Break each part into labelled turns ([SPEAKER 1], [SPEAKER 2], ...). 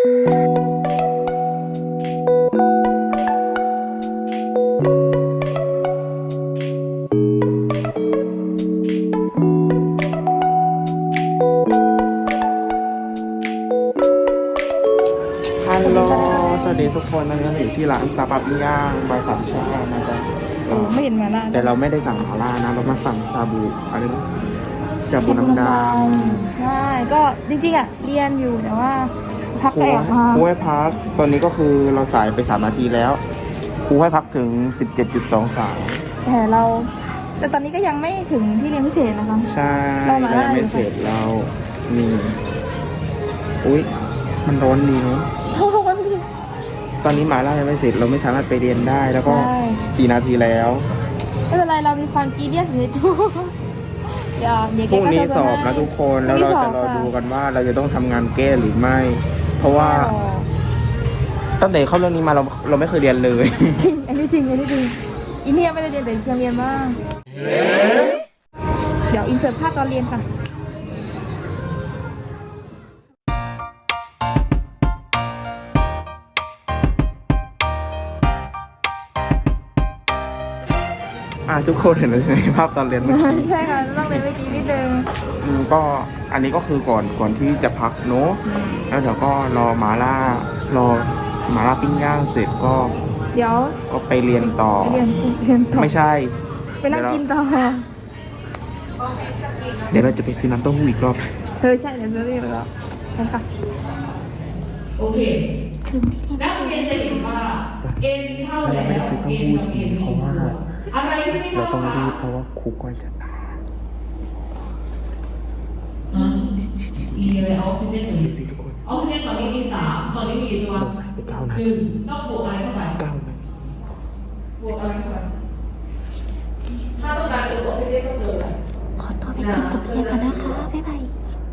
[SPEAKER 1] ฮัลโหลสวัสดีทุกคนนะเราอยู่ที่ร้านซาบะปิ้งย่างบายสามชานะจ๊ะ
[SPEAKER 2] ไม่เห็นมาล่า
[SPEAKER 1] แต่เราไม่ได้สั่งหม่าล่านะ เรามาสั่งชาบูอะไรนะชาบูน้ำดำ
[SPEAKER 2] ใช่ก็จริงๆอ่ะเรียนอยู่แต่ว่าพัก
[SPEAKER 1] ครู
[SPEAKER 2] ไปออกมา
[SPEAKER 1] ให้พัก ตอนนี้ก็คือเราสายไป3 นาทีแล้วครูให้พักถึง 17.23
[SPEAKER 2] แต่ตอนนี้ก็ยังไม่ถึงที่เรียนพิเศษนะคะ
[SPEAKER 1] ใช่
[SPEAKER 2] เรามาได้
[SPEAKER 1] ยังไม่เสร็จเรานี่อุ๊ยมันร้อนดีเนาะ ตอนนี้หมาล่ายังไม่เสร็จเราไม่สามารถไปเรียนได้แล้วก็
[SPEAKER 2] ใช่
[SPEAKER 1] 4 นาทีแล้ว
[SPEAKER 2] ไม่เป็นไรเรามีความจีเนียสในตัวเดี๋ยว
[SPEAKER 1] พรุ่งนี้
[SPEAKER 2] แกก็
[SPEAKER 1] สอบนะทุกคนแล้วเราจะรอดูกันว่าเราจะต้องทำงานแก้หรือไม่ เพราะว่าตั้งแต่เข้าเรื่องนี้มาเราไม่เคยเรียนเลย
[SPEAKER 2] จริงอันนี้จริงอีเนี่ยไม่ได้เรียนแต่เพียงเรียนบ้างเดี๋ยวอินเสิร์ตภาพตอนเรียนค่ะ
[SPEAKER 1] ทุกคนเห็นแล้วใช่ไหมภาพตอนเรียนเมื่อกี้
[SPEAKER 2] ใช่ค่ะต้องเรียนเมื่อกี้นิดนึง
[SPEAKER 1] ก็อันนี้ก็คือก่อนที่จะพักเนอะแล้วเดี๋ยวก็รอหมาล่ปิ้งย่างเสร็จก็
[SPEAKER 2] เดี๋ยว
[SPEAKER 1] ไปเรียนต่อ
[SPEAKER 2] เรียนต่อ
[SPEAKER 1] ไม่ใช่
[SPEAKER 2] ไปนั่งกินต่อ
[SPEAKER 1] เดี๋ยวเราจะไปซื้อน้ำเต้าหู้อีกรอบ
[SPEAKER 2] ใช่เดี๋ยวจะเรียนแล้วใช่ค่ะ
[SPEAKER 3] โอเค นักเรียนจะเห็นว่า n เท่า
[SPEAKER 1] เรา
[SPEAKER 3] แล้
[SPEAKER 1] ยังไม่ได้
[SPEAKER 3] ว
[SPEAKER 1] ซื้อเต้าหู้ทีเพราะว่า
[SPEAKER 3] อะไรที่ไม่
[SPEAKER 1] เรา
[SPEAKER 3] เท่า
[SPEAKER 1] ต้อง
[SPEAKER 3] กัน
[SPEAKER 1] รีบเพราะว่าครูก้อยจะมา
[SPEAKER 3] มีอะไรออกซิเจนหนึ่ง
[SPEAKER 1] ดูสิทุกคน
[SPEAKER 3] ออกซิเจนฝั่งนี้มี3ฝั่งนี้มีกี่ตัว
[SPEAKER 1] เราใส่ไป9 นา
[SPEAKER 3] ห
[SPEAKER 1] ที
[SPEAKER 3] นึ่งต้องบวกอะไรเข้าไป
[SPEAKER 1] 9 นาที
[SPEAKER 3] บวกอะไรเข้าไปถ้าต้องการตัวออกซิเจนก็เกิน
[SPEAKER 2] ขอตัวไปกินกับเรียนกันนะคะ บ๊ายบาย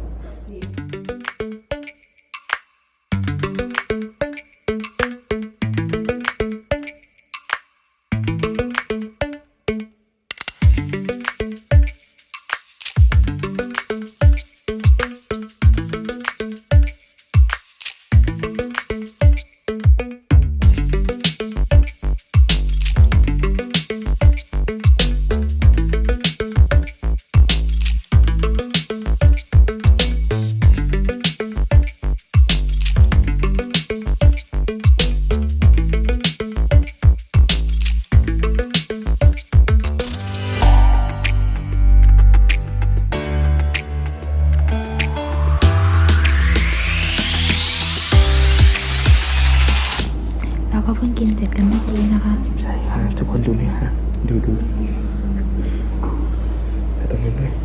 [SPEAKER 2] เราก็เพิ่งกินเสร็จกันเมื่อกี้นะคะ
[SPEAKER 1] ใช่ฮะทุกคนดูไหมฮะดูแต่ตรงนี้ด้วย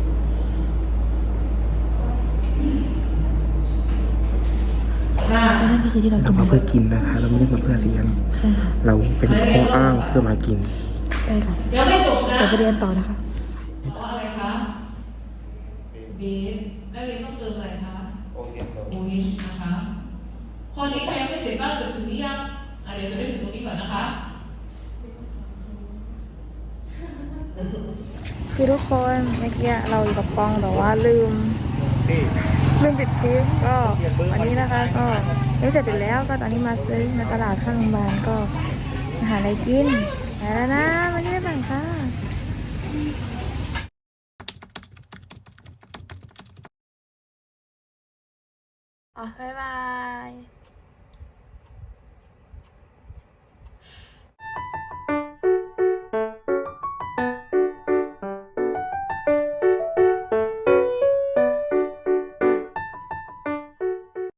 [SPEAKER 2] นั่นก็คือที่เรา
[SPEAKER 1] เรา
[SPEAKER 2] กิน
[SPEAKER 1] มาเพื่อกินนะคะ เราไม่ได้มาเพื่อเรียน
[SPEAKER 2] ใช่ค่ะ
[SPEAKER 1] เราเป็นข้ออ้างเพื่อมากิน
[SPEAKER 2] ใช่ค่ะ
[SPEAKER 3] ยังไม่จบนะ
[SPEAKER 2] เดี๋ยวไปเรียนต่อนะคะ
[SPEAKER 3] เพราะอะไรคะบีนักเรียนต้องเติมอะไรคะโอฮิชนะคะข้อนี้ใครยังไม่เสร็จบ้างจบถึงนี้ยังเดี๋ยวจะไปถึงตรงนี้ก่อนนะคะ
[SPEAKER 2] คือทุกคนเมื่อกี้เราอยู่กับกองแต่ว่าลืมปิดคลิปก็วันนี้นะคะก็เสร็จแล้วก็ตอนนี้มาซื้อมาตลาดข้างโรงพยาบาลก็หาอะไรกินไปแล้วนะวันนี้ไม่บังค่ะบ๊ายบาย